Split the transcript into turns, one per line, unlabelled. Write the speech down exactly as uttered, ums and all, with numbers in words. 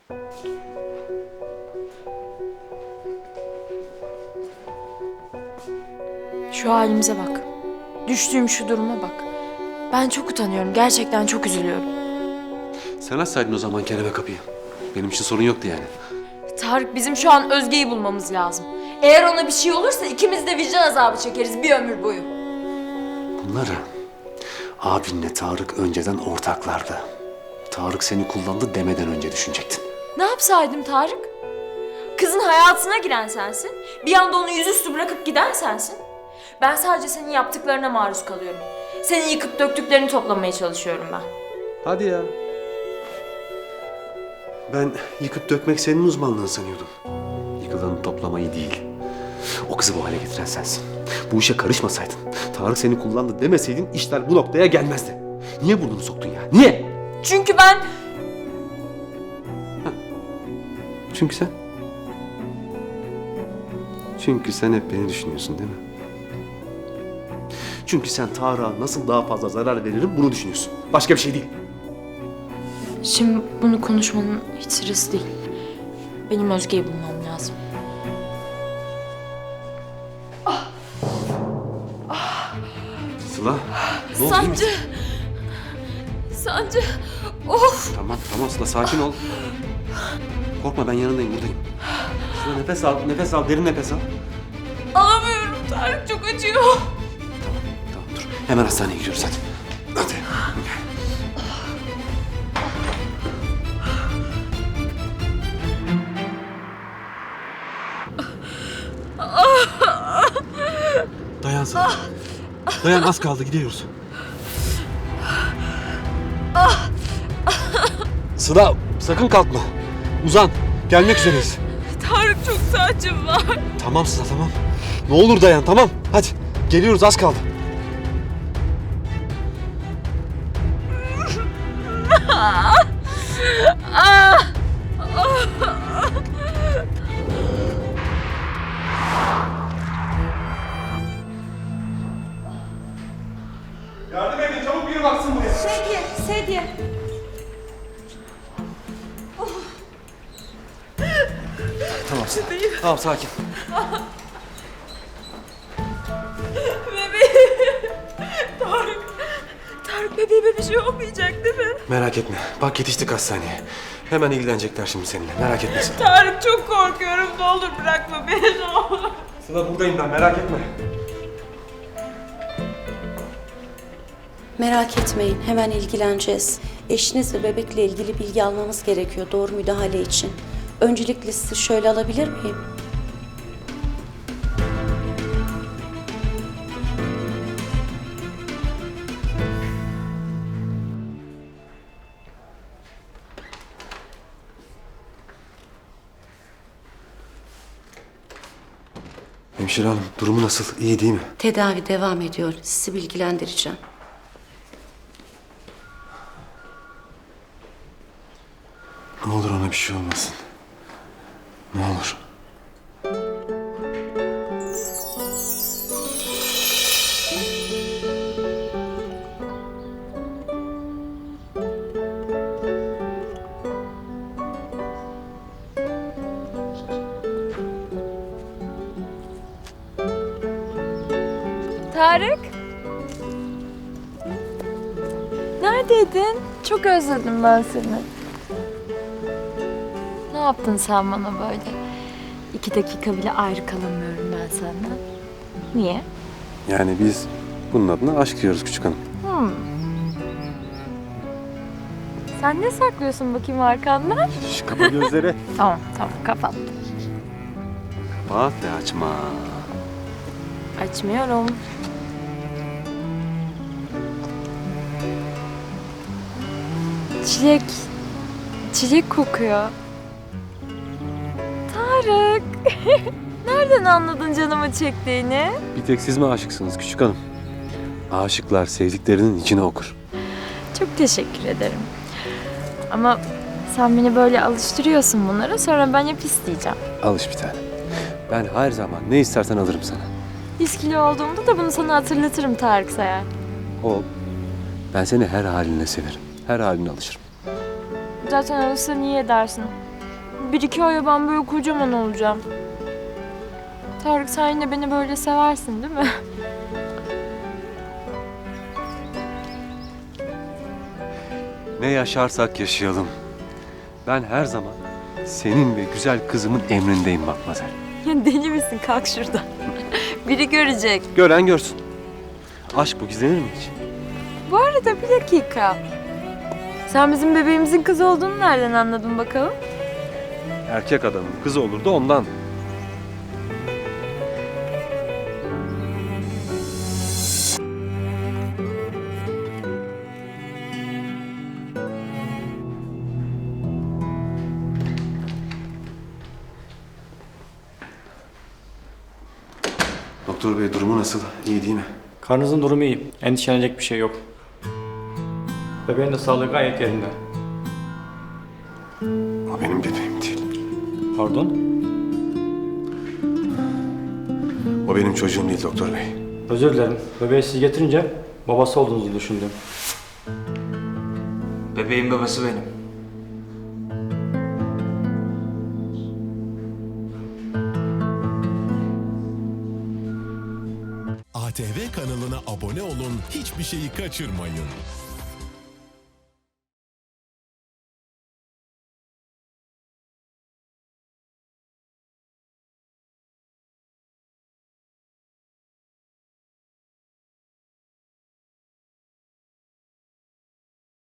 Şu halimize bak. Düştüğüm şu duruma bak. Ben çok utanıyorum. Gerçekten çok üzülüyorum.
Sen açsaydın o zaman Kerem'e kapıyı. Benim için sorun yoktu yani.
Tarık, bizim şu an Özge'yi bulmamız lazım. Eğer ona bir şey olursa ikimiz de vicdan azabı çekeriz bir ömür boyu.
Bunları abinle Tarık önceden ortaklardı. Tarık seni kullandı demeden önce düşünecektin.
Ne yapsaydım Tarık? Kızın hayatına giren sensin. Bir anda onu yüzüstü bırakıp giden sensin. Ben sadece senin yaptıklarına maruz kalıyorum. Senin yıkıp döktüklerini toplamaya çalışıyorum ben.
Hadi ya. Ben yıkıp dökmek senin uzmanlığın sanıyordum. Yıkılanı toplamayı değil. O kızı bu hale getiren sensin. Bu işe karışmasaydın, Tarık seni kullandı demeseydin işler bu noktaya gelmezdi. Niye burnunu soktun ya? Niye?
Çünkü ben...
Çünkü sen... Çünkü sen hep beni düşünüyorsun değil mi? Çünkü sen Tarık'a nasıl daha fazla zarar veririm bunu düşünüyorsun. Başka bir şey değil.
Şimdi bunu konuşmanın hiç sırası değil. Benim Özge'yi bulmam lazım.
Sıla, ne oldu?
Sancı! Sancı! Of!
Tamam, tamam Sıla sakin ol. Korkma ben yanındayım, buradayım. Sıla nefes al, nefes al, derin nefes al.
Alamıyorum Tarık, çok acıyor.
Tamam, tamam dur. Hemen hastaneye gidiyoruz hadi. Hadi. Dayan Sıla. Dayan az kaldı gidiyoruz. Sıla sakın kalkma. Uzan. Gelmek üzereyiz.
Tarık, çok sancım var.
Tamam Sıla tamam. Ne olur dayan tamam. Hadi geliyoruz az kaldı. Yardım edin çabuk biri baksın buraya.
Sedye, sedye.
Tamam Sıla. Tamam sakin.
Bebeğim. Tarık. Tarık, bebeğime bir şey olmayacak değil mi?
Merak etme. Bak yetiştik hastaneye. Hemen ilgilenecekler şimdi seninle. Merak etme Sıla.
Tarık, çok korkuyorum. Ne olur bırakma beni, ne olur.
Sıla buradayım ben merak etme.
Merak etmeyin, hemen ilgileneceğiz. Eşiniz ve bebekle ilgili bilgi almamız gerekiyor doğru müdahale için. Öncelikle sizi şöyle alabilir miyim?
Hemşire hanım durumu nasıl? İyi değil mi?
Tedavi devam ediyor. Sizi bilgilendireceğim.
Ne olur ona bir şey olmasın. Ne olur.
Tarık. Neredeydin? Çok özledim ben seni. Ne yaptın sen bana böyle? İki dakika bile ayrı kalamıyorum ben senden. Niye?
Yani biz bunun adına aşk diyoruz küçük hanım.
Hmm. Sen ne saklıyorsun bakayım arkandan?
Şş, kapa gözleri.
Tamam, tamam, kapattım.
Kapat ve açma.
Açmıyorum. Çilek. Çilek kokuyor. Tarık. Nereden anladın canımı çektiğini?
Bir tek siz mi aşıksınız küçük hanım? Aşıklar sevdiklerinin içine okur.
Çok teşekkür ederim. Ama sen beni böyle alıştırıyorsun bunlara, sonra ben hep isteyeceğim.
Alış bir tane. Ben her zaman ne istersen alırım sana.
yüz kilo olduğumda da bunu sana hatırlatırım Tarık Sayar.
Ol. Ben seni her halinle severim. Her haline alışırım.
Zaten alırsa niye edersin? bir iki aya ben böyle kocaman olacağım. Tarık sen yine beni böyle seversin değil mi?
Ne yaşarsak yaşayalım. Ben her zaman senin ve güzel kızımın emrindeyim Matmazel.
Ya deli misin? Kalk şuradan. Biri görecek.
Gören görsün. Aşk bu gizlenir mi hiç?
Bu arada bir dakika. Sen bizim bebeğimizin kızı olduğunu nereden anladın bakalım?
Erkek adamın kızı olur da ondan. Doktor bey durumu nasıl? İyi değil mi?
Karnınızın durumu iyi. Endişelenecek bir şey yok. Bebeğin de sağlığı gayet yerinde.
O benim bebeğim değil.
Pardon?
O benim çocuğum değil doktor bey.
Özür dilerim. Bebeği siz getirince babası olduğunuzu düşündüm.
Bebeğin babası benim.
A T V kanalına abone olun, hiçbir şeyi kaçırmayın.